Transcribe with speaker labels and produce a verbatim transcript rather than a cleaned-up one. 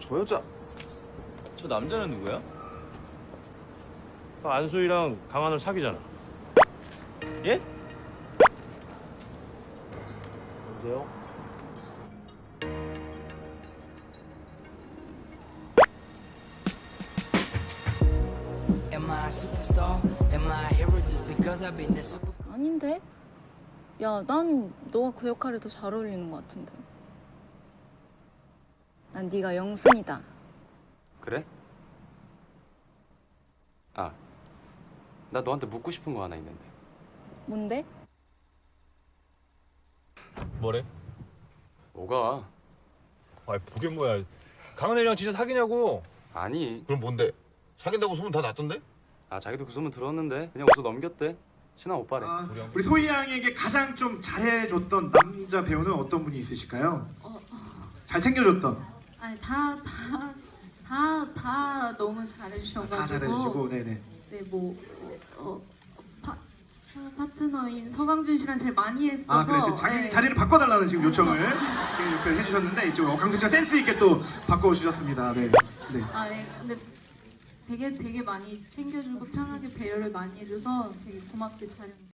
Speaker 1: 저 여자.
Speaker 2: 저 남자는 누구야?
Speaker 3: 안수희랑 강한을 사귀잖아.
Speaker 2: 예?
Speaker 3: 여보세요?
Speaker 4: Am I a superstar? Am I a hero just because I've been the super?
Speaker 5: 아닌데? 야, 난 너가 그 역할에 더 잘 어울리는 것 같은데. 난 네가 영순이다.
Speaker 1: 그래? 아, 나 너한테 묻고 싶은 거 하나 있는데.
Speaker 5: 뭔데?
Speaker 2: 뭐래?
Speaker 1: 뭐가?
Speaker 6: 아이 그게 뭐야? 강은혜랑 진짜 사귀냐고?
Speaker 1: 아니.
Speaker 7: 그럼 뭔데? 사귄다고 소문 다 났던데?
Speaker 1: 아, 자기도 그 소문 들었는데 그냥 웃어 넘겼대. 친한 오빠래.
Speaker 8: 아, 우리 소희 양에게 가장 좀 잘해줬던 남자 배우는 어떤 분이 있으실까요?
Speaker 9: 어,
Speaker 8: 잘 챙겨줬던.
Speaker 9: 아니 다 다 다 다 너무 잘해주셔가지고
Speaker 8: 다 잘해주시고, 네네.
Speaker 9: 네, 뭐 어, 어, 파, 파트너인 서강준 씨랑 제일 많이 했어서
Speaker 8: 아, 그래. 지금 자기
Speaker 9: 네.
Speaker 8: 자리를 바꿔달라는 지금 요청을 지금 이렇게 해주셨는데 이쪽 어, 강수 씨가 센스 있게 또 바꿔주셨습니다. 네. 네.
Speaker 9: 아, 네. 근데 되게 되게 많이 챙겨주고 편하게 배려를 많이 해줘서 되게 고맙게 촬영했어요.